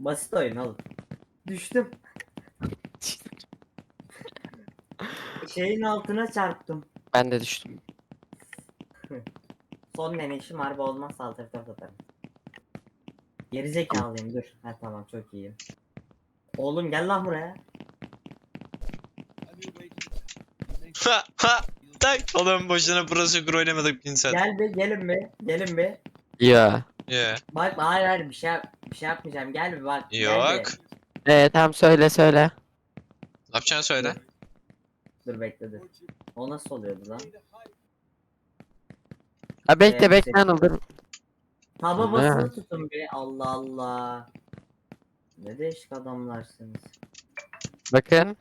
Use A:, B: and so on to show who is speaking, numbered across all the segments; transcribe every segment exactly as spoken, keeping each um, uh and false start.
A: Basit oyun oğlum. Düştüm. Şeyin altına çarptım.
B: Ben de düştüm.
A: Son deneyişim harbi olmaz saldırı atarım. Gerizekalıyım dur. Ha tamam çok iyiyim. Oğlum gel lan buraya.
C: Ha ha tak. Oğlum boşuna Pro oynamadık bin saat.
A: Gel bir gelin bir. Gelin bir.
B: Ya.
C: Yeah.
A: Bak hayır hayır bir şey yap- bir şey yapmayacağım. Gel bir bak. Gel
C: Yok.
A: bir.
B: Ee tamam söyle söyle.
C: Ne yapacaksın söyle.
A: Dur bekle dur. O nasıl oluyordu lan?
B: Ha bekle
A: Ee,
B: bekle Anıl dur.
A: Taba
B: Ne?
A: basılı tutun bir. Allah Allah. Ne değişik adamlarsınız.
B: Bakın.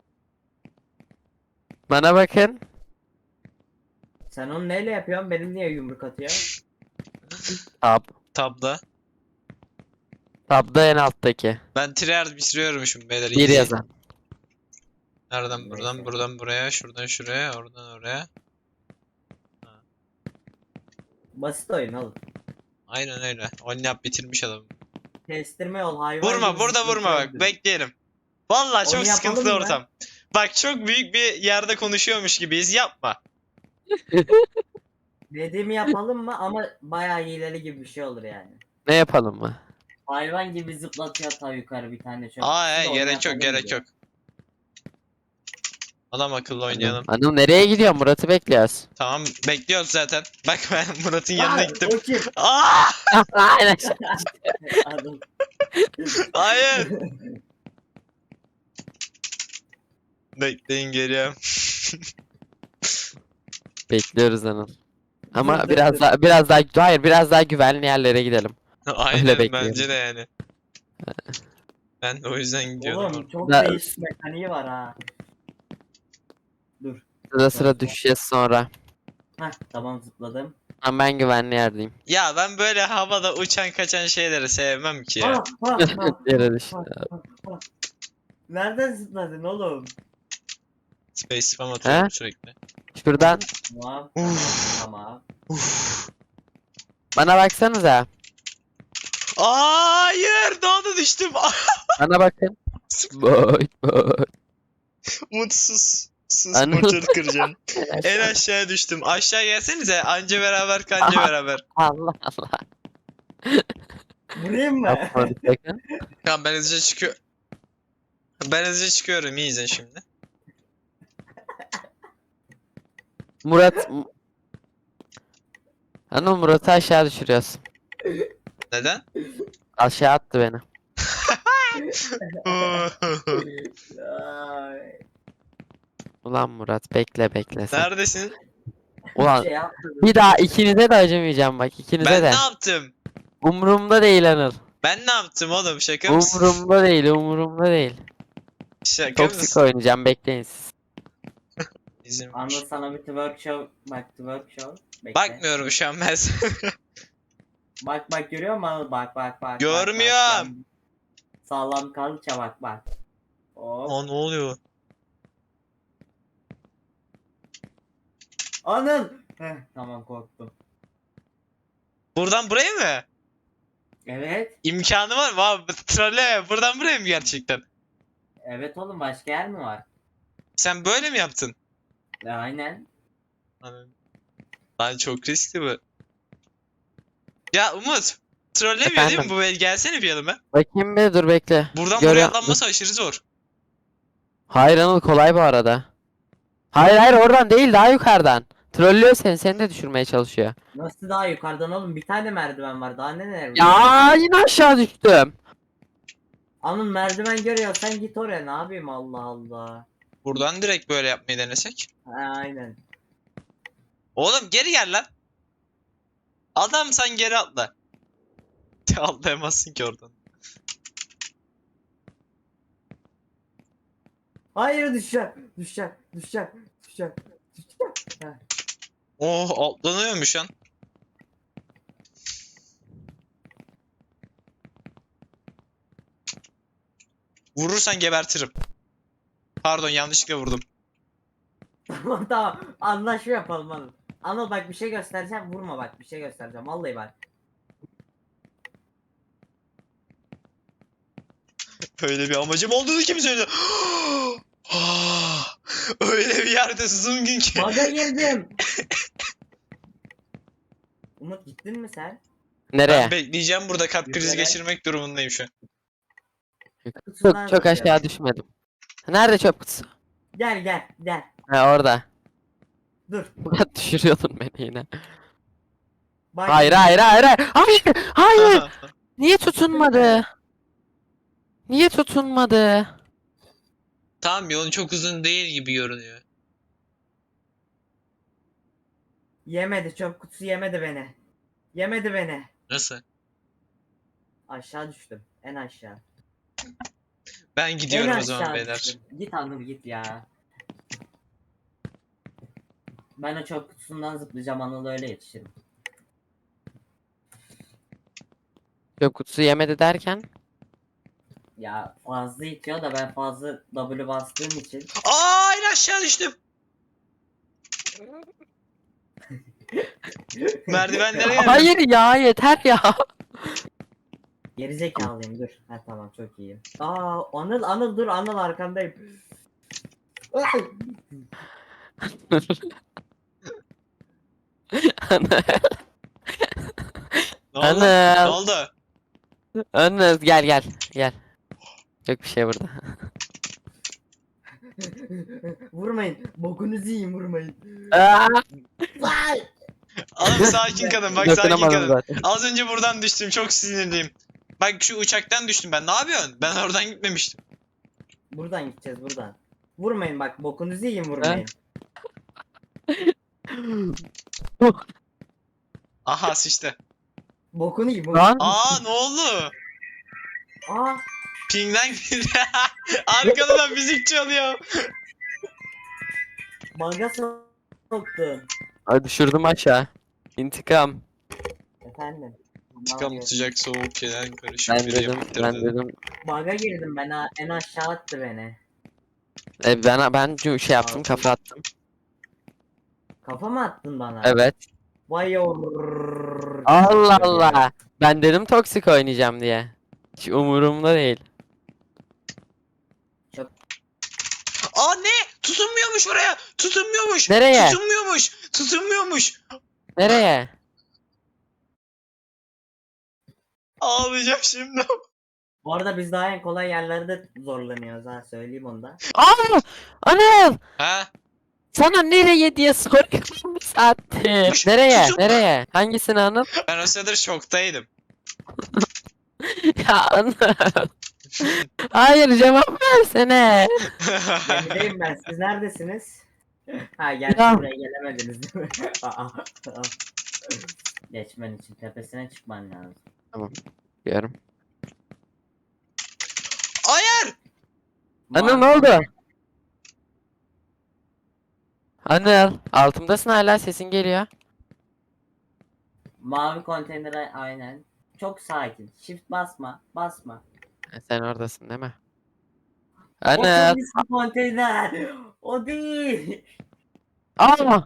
B: Bana bakın.
A: Sen onu neyle yapıyorsun? Benim niye yumruk atıyor?
B: Tab.
C: Tabda.
B: Tabda en alttaki.
C: Ben tryhard bitiriyormuşum beyler.
B: Bir
C: easy.
B: yazan.
C: Nereden buradan
A: Neyse.
C: buradan buraya şuradan şuraya oradan oraya.
A: Basit oyun oğlum.
C: Aynen öyle. Oynayıp bitirmiş adam.
A: Kestirme yol hayvan.
C: Vurma
A: gibi
C: burada
A: zıplayıp
C: vurma bak
A: öldür.
C: bekleyelim. Vallahi çok
A: Onu yapalım
C: sıkıntılı
A: mı?
C: ortam. Bak çok büyük bir yerde konuşuyormuş gibiyiz yapma.
A: Dediğimi yapalım mı ama bayağı hileli gibi bir şey olur yani.
B: Ne yapalım mı?
A: Hayvan gibi zıplatıyor ta yukarı bir tane çöp.
C: Aa
A: Siz de
C: he,
A: onu
C: gerek yok
A: yapalım
C: gerek
A: diyor.
C: yok. Adam akıllı oynayalım.
B: Anıl, Anıl nereye gidiyor? Murat'ı bekliyoruz.
C: Tamam bekliyoruz zaten. Bak ben Murat'ın yanına
A: Aa,
C: gittim.
A: o kim?
C: Aa!
B: Aynen.
A: Adam.
C: Hayır. Bekleyin geliyorum.
B: Bekliyoruz Anıl. Ama
A: Dur, dur,
B: biraz
A: dur.
B: daha biraz daha hayır biraz daha güvenli yerlere gidelim.
C: Aynen
B: bekliyorum.
C: bence de yani. Ben de o yüzden gidiyordum.
A: Oğlum
C: orada.
A: çok
B: Da-
A: değişik mekaniği var ha. Dur.
B: Sıra sıra düşeceğiz sonra.
A: Heh tamam zıpladım.
B: Ama ben güvenli yerdeyim.
C: Ya ben böyle havada uçan kaçan şeyleri sevmem ki ya.
A: Ah, ah, ah,
B: Yere
A: ah,
B: düştü.
A: ah, ah, ah. Nereden zıpladın oğlum?
C: Space spam atıyorum sürekli.
B: Şuradan
A: Tamam.
C: Uf.
A: Tamam.
C: Uf.
B: bana baksanıza.
C: Hayır daha da düştüm.
B: Bana bakın. Boy boy.
C: Mutsuz. Sus
B: Anıl.
C: motoru kıracağım. En aşağıya düştüm. Aşağı gelsenize. Anca beraber kanca beraber.
B: Allah Allah.
A: Vurayım mı?
B: Yapmadık bakın.
C: Tamam ben hızlıca çıkıyorum. Ben hızlıca çıkıyorum. İyi izle şimdi.
B: Murat. Anıl Murat'ı aşağı düşürüyorsun.
C: Neden?
B: Aşağı attı beni.
A: Ay,
B: Ulan Murat bekle bekle sen.
C: Neredesin?
B: Ulan
A: şey yapmadım.
B: bir daha ikinize de acımayacağım bak ikinize
C: Ben
B: de.
C: ne yaptım?
B: Umurumda değil Anıl.
C: Ben ne yaptım oğlum? Şaka mısın?
B: Umurumda değil umurumda değil.
C: Şaka
B: Toksik
C: mısın?
B: oynayacağım bekleyin siz.
C: İzin ver.
A: Anıl sana bir twerk show. Bak twerk show. Bekle.
C: Bakmıyorum şu an ben.
A: Bak bak görüyor musun Anıl? Bak bak bak.
C: Görmüyorum.
A: Bak, bak. Sağlam kalça bak bak. Hop.
C: Aa ne oluyor?
A: Anıl. Heh, tamam korktum.
C: Buradan buraya mı?
A: Evet.
C: İmkanı var mı abi? Trolle buradan buraya mı gerçekten?
A: Evet oğlum başka yer mi var?
C: Sen böyle mi yaptın?
A: E, aynen.
C: Anladım. Lan çok riskli bu. Ya Umut. Trollemiyor değil mi
B: Efendim?
C: bu? Gelsene bir yanıma.
B: Bakayım bir dur bekle.
C: Buradan
B: Görüyor-
C: buraya atlanması aşırı zor.
B: Hayır Anıl kolay bu arada. Hayır hayır oradan değil daha yukarıdan. Trollüyor seni seni de düşürmeye çalışıyor.
A: Nasıl daha yukarıdan oğlum? Bir tane merdiven var. Daha neler var?
B: Ya yine aşağı düştüm.
A: Anıl merdiven görüyorsan git oraya. Ne yapayım Allah Allah.
C: Buradan direkt böyle yapmayı denesek.
A: Ha, aynen.
C: Oğlum geri gel lan. Adam sen geri atla. Atlayamazsın ki oradan.
A: Hayır düşeceğim. Düşeceğim. Düşeceğim. Düşeceğim. Düşeceğim. Heh.
C: Oh atlanıyormuş lan. Vurursan gebertirim. Pardon yanlışlıkla vurdum.
A: Tamam tamam. Anlaşma yapalım Anıl. Anıl bak bir şey göstereceğim. Vurma bak bir şey göstereceğim. Vallahi bak.
C: Öyle bir amacım olduğunu kim söyledi? Ah, öyle bir yerde zoom ki.
A: Baga girdim. Umut gittin mi sen?
B: Nereye?
C: Ben bekleyeceğim burada, kalp krizi
A: Yüzerek.
C: geçirmek durumundayım şu an.
A: Kutusundan
B: Çok, çok
A: zıplıyorum.
B: aşağı düşmedim. Nerede çöp kutusu?
A: Gel gel gel.
B: Ha orada.
A: Dur.
B: Düşürüyordun beni yine.
A: Bak
B: Hayır
A: şimdi.
B: hayır hayır hayır. Hayır. Hayır. Niye tutunmadı? Niye tutunmadı?
C: Tamam, yolun çok uzun değil gibi görünüyor.
A: Yemedi, çöp kutusu yemedi beni. Yemedi beni.
C: Nasıl?
A: Aşağı düştüm. En aşağı.
C: Ben
A: En
C: gidiyorum o zaman
A: aşağı
C: beyler.
A: düştüm. Git Anıl git ya. Ben o çöp kutusundan zıplayacağım, Anıl'a öyle yetişirim.
B: Çöp kutusu yemedi derken.
A: Ya fazla itiyor da ben fazla W bastığım için.
C: Aa, en aşağı düştüm. Merdivenlere geldim.
B: Hayır ya yeter ya.
A: Geri zekalıyım, dur. Ha tamam, çok iyiyim. Aa Anıl Anıl dur, Anıl arkandayım. Ay!
B: Anıl.
C: Ne oldu? Ne
B: Anıl.
C: oldu?
B: Anıl gel gel gel. Yok bir şey burada.
A: Vurmayın. Bokunuzu yiyin, vurmayın.
B: Aa,
A: Vay!
C: Oğlum sakin kalın, bak sakin
B: dokunamadım
C: kalın.
B: zaten.
C: Az önce buradan düştüm, çok sinirliyim. Bak şu uçaktan düştüm ben, ne yapıyorsun? Ben oradan gitmemiştim.
A: Buradan gideceğiz, buradan. Vurmayın bak, bokunuzu yiyin, vurmayın.
C: Aha sıçtı.
A: Bokunu yiyin. Bokunu.
B: Lan.
C: Aa, ne oldu?
A: Aa
C: Ping'den gitti. Arkadan müzik çalıyor.
A: baga soktun.
B: Ay, düşürdüm aşağı. İntikam.
A: Efendim.
C: İntikam sıcak soğuk şeyler karışık
B: Ben
C: bir
B: dedim
C: yemektir
B: ben
C: dedim.
B: dedim.
A: Baga girdim ben, ha- en aşağı attı beni.
B: E, ben ben şu şey yaptım, kafa attım.
A: Kafa mı attın bana?
B: Evet.
A: Vay yorrrr.
B: Allah Allah. Ben dedim toksik oynayacağım diye. Hiç umurumda değil.
C: Aa, ne? Tutunmuyormuş oraya. Tutunmuyormuş.
B: Nereye?
C: Tutunmuyormuş. Tutunmuyormuş.
B: Nereye?
C: Ağlayacağım şimdi.
A: Bu arada biz daha en kolay yerlerde zorlanıyoruz, ha söyleyeyim onu da.
B: Aa! Anıl!
C: Ha?
B: Sana nereye diye soruyorum bir saattir.
C: Kuş,
B: Nereye?
C: tutun.
B: Nereye? Hangisini Anıl?
C: Ben o sırada şoktaydım.
B: Ya Anıl. Hayır cevap versene.
A: Gemideyim ben, siz neredesiniz? Ha gerçi
B: Ya.
A: buraya gelemediniz değil mi? Aa, aa. Geçmen için tepesine çıkman lazım.
B: Diyorum.
C: Hayır.
B: Anıl ne oldu? Anıl altımdasın hala, sesin geliyor.
A: Mavi konteynere aynen. Çok sakin. Shift basma. Basma.
B: Ha, sen oradasın değil mi?
A: O
B: Anıl.
A: turist konteyner. O değil.
B: Aa!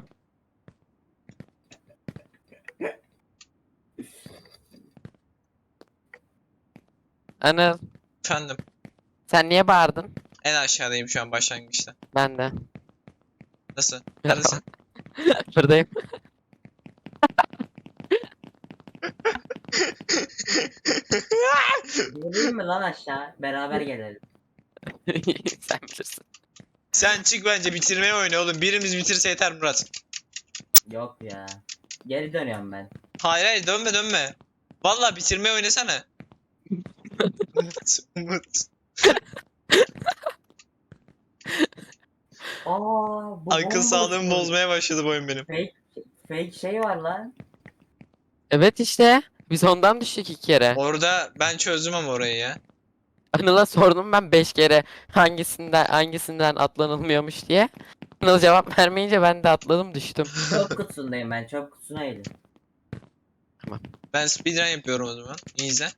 B: Anıl
C: Efendim.
B: sen niye bağırdın?
C: En aşağıdayım şu an başlangıçta.
B: Ben de.
C: Nasıl? Neredesin?
B: Buradayım.
A: Geleyim mi lan aşağı? Beraber gelelim.
B: Sen bilirsin.
C: Sen çık bence, bitirmeye oyna oğlum. Birimiz bitirse yeter Murat.
A: Yok ya. Geri dönüyorum ben.
C: Hayır hayır, dönme dönme. Vallahi bitirmeye oynasana. Umut, Umut.
A: Aa, bu
C: Akıl
A: bomboş
C: sağlığımı
A: mu?
C: bozmaya başladı bu oyun benim.
A: Fake, fake şey var lan.
B: Evet işte. Biz ondan düştük iki kere.
C: Orada ben çözdüm ama orayı ya.
B: Anıl'a sordum ben beş kere hangisinden hangisinden atlanılmıyormuş diye. Anıl cevap vermeyince ben de atladım düştüm.
A: Çöp kutusundayım ben. Çöp kutusuna eğilim.
C: Ben speedrun yapıyorum o zaman. İyi izle.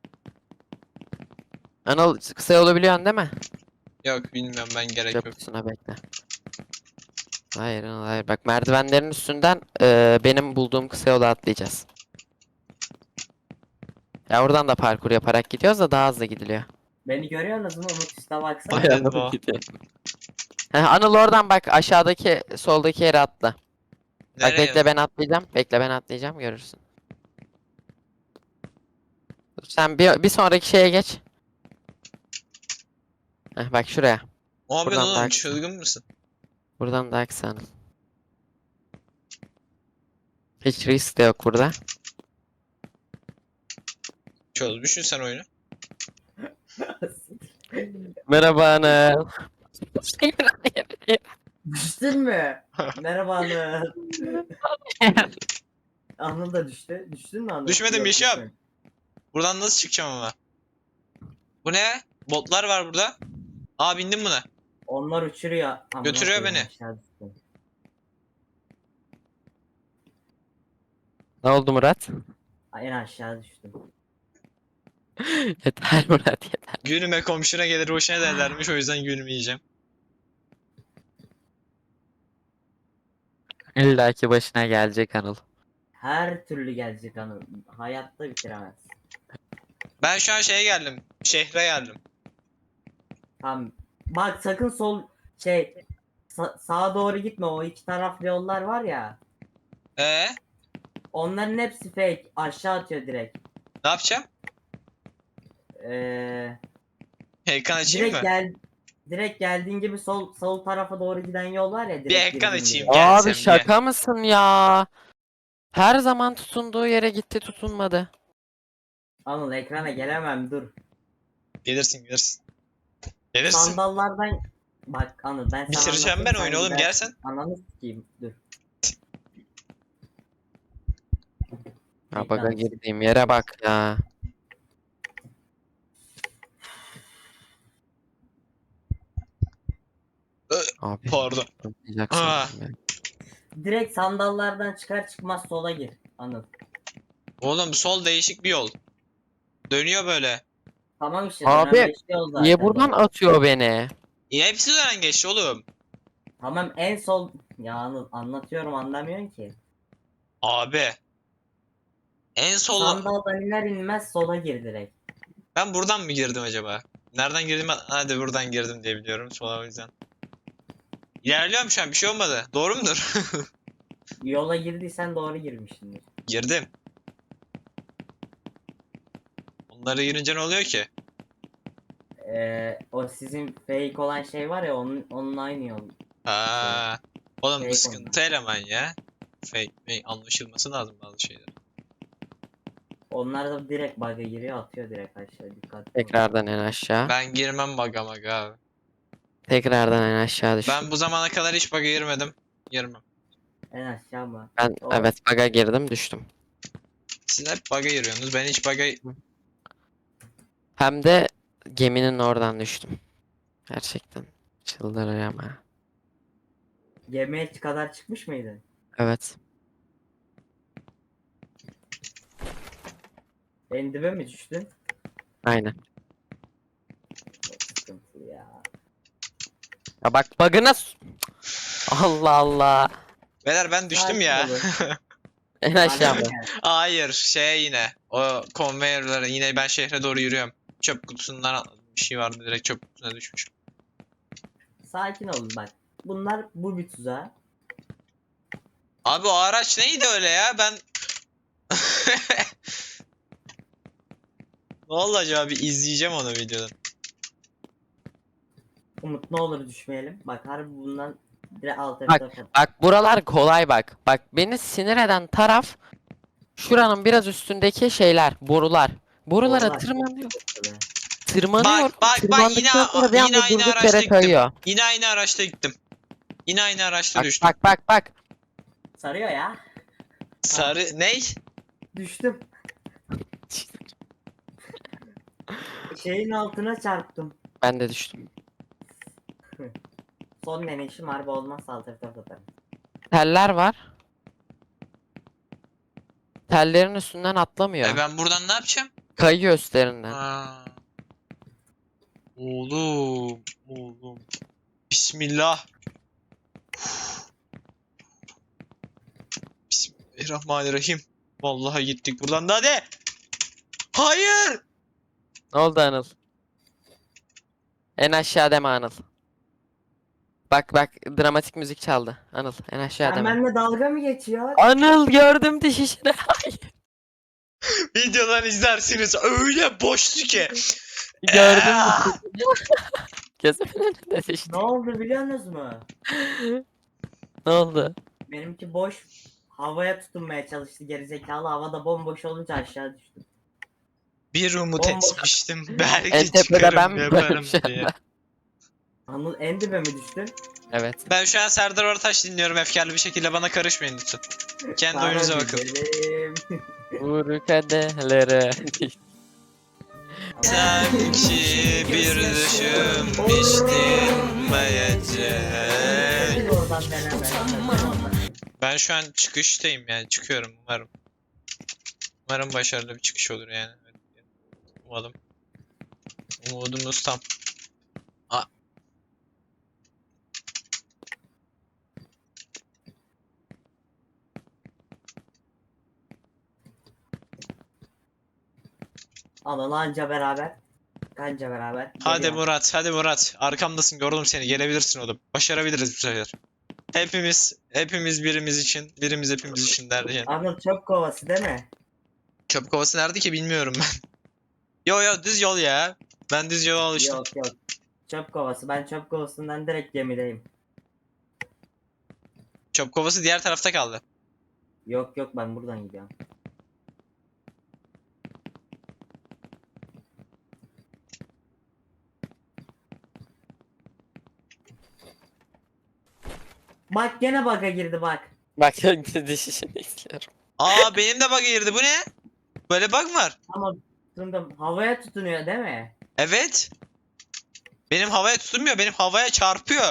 B: Anıl kısa yolu biliyorsun değil mi?
C: Yok bilmiyorum, ben gerek
B: Çöp
C: yok.
B: kutusuna bekle. Hayır Anıl hayır. Bak merdivenlerin üstünden eee, benim bulduğum kısa yolu atlayacağız. Ya oradan da parkur yaparak gidiyoruz da daha hızlı gidiliyor.
A: Beni görüyorsunuz mu? Umut üstte baksana.
C: Hadi
B: Ayağına
C: baba.
B: gidiyor. Heh, Anıl oradan bak aşağıdaki soldaki yere atla. Bak
C: Nereye?
B: bekle ben atlayacağım. Bekle ben atlayacağım görürsün. Dur, sen bir, bir sonraki şeye geç. Heh, bak şuraya.
C: Ne yapıyorsun
B: Buradan
C: oğlum?
B: daha-
C: Çılgın mısın?
B: Buradan daha kısa Anıl. Hiç risk de yok burada.
C: Çözmüşsün sen oyunu.
B: Merhaba Anıl.
A: Düştün mü? Merhaba Anıl. Anıl da düştü. Düştün mü Anıl?
C: Düşmedim,
A: Yok,
C: Yeşil abi.
A: düşmedim.
C: Buradan nasıl çıkacağım ama? Bu ne? Botlar var burada. Aa, bindim buna.
A: Onlar uçuruyor. Amına
C: Götürüyor
A: koyayım,
C: beni.
A: aşağı düştüm.
B: Ne oldu Murat?
A: En aşağı düştüm.
B: Yeter Murat yeter.
C: Gülme, komşuna gelir hoşuna derlermiş, o yüzden gülmeyeceğim.
B: İlla ki başına gelecek Anıl.
A: Her türlü gelecek Anıl. Hayatta bitiremez.
C: Ben şu an şeye geldim. Şehre geldim.
A: Tamam. Bak sakın sol şey sa- sağa doğru gitme. O iki taraflı yollar var ya.
C: Ee,
A: Onların hepsi fake. Aşağı atıyor direkt.
C: ne yapacağım?
A: Ee,
C: Ekran açayım
A: direkt
C: mı?
A: gel direkt geldiğin gibi sol sol tarafa doğru giden yol var ya. Direkt
C: Bir ekran
A: girdiğin
C: açayım.
A: gibi.
C: Gel
B: Abi
C: sen,
B: şaka mısın ya? Her zaman tutunduğu yere gitti tutunmadı.
A: Anıl ekrana gelemem dur.
C: Gelirsin gelirsin. Gelirsin.
A: Sandallardan bak Anıl ben sana
C: Bitireceğim ben
A: anlatayım,
C: oyunu
A: sen
C: oğlum,
A: gidersin.
C: gelsen.
A: Ananı sikeyim dur.
B: Ya baga
A: Ekran-
B: girdiğim yere bak ya.
C: Ö,
B: Abi.
C: Pardon.
B: tutmayacak
C: Ah.
B: sandım ya.
A: Direkt sandallardan çıkar çıkmaz sola gir. Anıl.
C: Oğlum bu sol değişik bir yol. Dönüyor böyle.
A: Tamam işte
B: Abi,
A: dönen beş yol zaten.
B: Niye buradan
A: bak.
B: atıyor beni?
C: Ya hepsi dönen geçti oğlum.
A: Tamam en sol ya Anıl anlatıyorum anlamıyorsun ki.
C: Abi. En sol.
A: Sandaldan iner inmez sola gir direkt.
C: Ben buradan mı girdim acaba? Nereden girdim? Hadi buradan girdim diye biliyorum. Sola, o yüzden. İlerliyorum şu an, bir şey olmadı. Doğru mudur?
A: Yola girdiysen doğru girmişsindir.
C: Girdim. Onlara girince ne oluyor ki?
A: Ee, o sizin fake olan şey var ya onun onun aynı yol.
C: Ha. Oğlum bu
A: Fake
C: sıkıntı eleman ya. Fake, fake anlaşılması lazım bazı şeyler.
A: Onlar da direkt bug'a giriyor atıyor direkt aşağı dikkat.
B: Tekrardan en aşağı.
C: Ben girmem baga maga abi.
B: Tekrardan en aşağı düştüm.
C: Ben bu zamana kadar hiç baga girmedim. Girmem.
A: En aşağı mı?
B: Ben
A: Doğru.
B: evet baga girdim düştüm.
C: Siz hep baga giriyorsunuz. Ben hiç baga...
B: Hem de geminin oradan düştüm. Gerçekten çıldıracağım ha.
A: Gemiye kadar çıkmış mıydın?
B: Evet.
A: En dibe mi düştün?
B: Aynen.
A: Çok sıkıntı ya.
B: Ya bak bug'ına s- Allah Allah.
C: Beyler ben düştüm ya.
A: Sakin olun.
B: En aşağı mı?
A: Aynen.
C: Hayır, şeye yine. O konveyörlere yine ben şehre doğru yürüyorum. Çöp kutusundan atladım. Bir şey vardı, direkt çöp kutusuna düşmüş.
A: Sakin olun bak. Bunlar bu bir tuzağı.
C: Abi o araç neydi öyle ya? Ben... Ne oldu acaba? Bir izleyeceğim onu videodan.
A: Umut ne olur düşmeyelim. Bak harbi bundan direkt alt
B: Bak,
A: F
B: Bak buralar kolay bak. Bak beni sinir eden taraf şuranın biraz üstündeki şeyler, borular. Borulara
A: Borular.
B: tırmanıyor. Tırmanıyor.
C: Bak, bak, bak,
B: Tırmandıktan
C: yine-
B: sonra bir
C: yine
B: anda
C: aynı
B: durduk
C: araçta
B: yere
C: gittim.
B: kayıyor.
C: Yine aynı araçta gittim. Yine aynı araçta
B: Bak
C: düştüm.
B: bak bak bak.
A: Sarıyor ya.
C: Sarı... Ney?
A: Düştüm. Şeyin altına çarptım.
B: Ben de düştüm.
A: Son deneyişim harbi olmazsa alt F atarım.
B: Teller var. Tellerin üstünden atlamıyor.
C: E ben buradan ne yapacağım?
B: Kayıyor üstlerinden.
C: Ha. Oğlum, oğlum. Bismillah. Bismillahirrahmanirrahim. Vallahi gittik buradan da hadi. Hayır.
B: Ne oldu Anıl? En aşağı deme Anıl. Bak bak dramatik müzik çaldı. Anıl en aşağı
A: Sen
B: deme.
A: benimle dalga mı geçiyor?
B: Anıl gördüm düşüşünü.
C: Videodan izlersiniz öyle boştu ki.
B: Gördüm
C: Aa!
B: düşüşünü. Gözümün önünde düştü.
A: Ne oldu biliyor musunuz mu?
B: Ne oldu?
A: Benimki boş. Havaya tutunmaya çalıştı gerizekalı. Havada bomboş olunca aşağı düştü.
C: Bir umut
A: Bomboş.
C: etmiştim.
B: En
C: Belki
B: tepede ben
C: çıkarım
B: mi
C: yaparım
B: varım şu
C: diye.
B: anda?
A: Anıl en dibe mi düştün?
B: Evet.
C: Ben şu an Serdar Ortaç dinliyorum efkarlı bir şekilde, bana karışmayın lütfen. Kendi
A: Sana
C: oyunuza bakın.
A: güzelim.
B: Vur kadehlere.
C: Sanki bir düşünmüştüm bayacak.
A: Oradan deneme.
C: Ben şu an çıkıştayım yani, çıkıyorum umarım. Umarım başarılı bir çıkış olur yani. Umalım. Umudumuz tam. A-
A: Anıl anca beraber. Kanca beraber.
C: Hadi
A: Geliyor.
C: Murat, hadi Murat. Arkamdasın, gördüm seni. Gelebilirsin oğlum. Başarabiliriz bu sefer. Hepimiz, hepimiz birimiz için, birimiz hepimiz için derken.
A: Anıl çöp kovası değil mi?
C: Çöp kovası nerede ki bilmiyorum ben. Yo yo, düz yol ya. Ben düz yola alıştım.
A: Yok yok. Çöp kovası. Ben çöp kovasından direkt gemideyim.
C: Çöp kovası diğer tarafta kaldı.
A: Yok yok ben buradan gidiyorum. Bak gene bug'a girdi bak.
B: Bak düşüşünü izliyorum.
C: Aa, benim de bug'a girdi. Bu ne? Böyle bug mı var?
A: Ama tutundum. Havaya tutunuyor değil mi?
C: Evet. Benim havaya tutunmuyor. Benim havaya çarpıyor.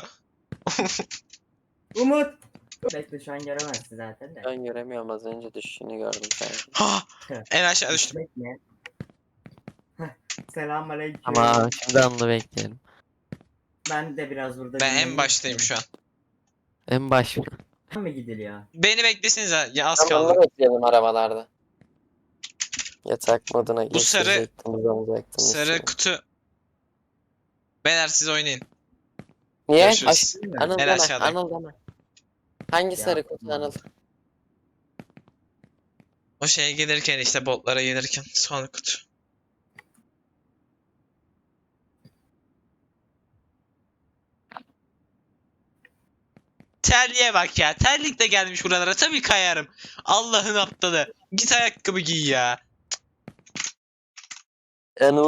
A: Umut. Bekle şu an göremezsin zaten de.
B: Ben göremiyorum, az önce düşüşünü gördüm sanki.
C: Ha! En aşağı düştüm.
A: Bekle. Selamünaleyküm.
B: Ama şimdi Anıl'ı bekleyelim.
A: Ben de biraz burada
C: Ben en
A: dinleneyim.
C: baştayım şu an.
B: En baş mı?
A: mı gidiliyor?
C: Beni beklesinize. Ya az
B: Tamam,
C: kaldı.
B: Anıl'ı bekleyelim arabalarda. Yatak moduna
C: Bu sarı-
B: geçecektim, uzanacaktım.
C: Sarı
B: üstüne.
C: kutu. Beyler siz oynayın.
B: Niye?
C: Görüşürüz.
B: Aş- Anıl
C: En
B: deme,
C: aşağıdayım.
B: Anıl deme. Hangi
A: Ya,
B: sarı kutu
A: tamam.
B: Anıl?
C: O şeye gelirken işte, botlara gelirken son kutu. Terliğe bak ya. Terlik de gelmiş buralara. Tabii kayarım. Allah'ın aptalı. Git ayakkabı giy ya.
B: Anıl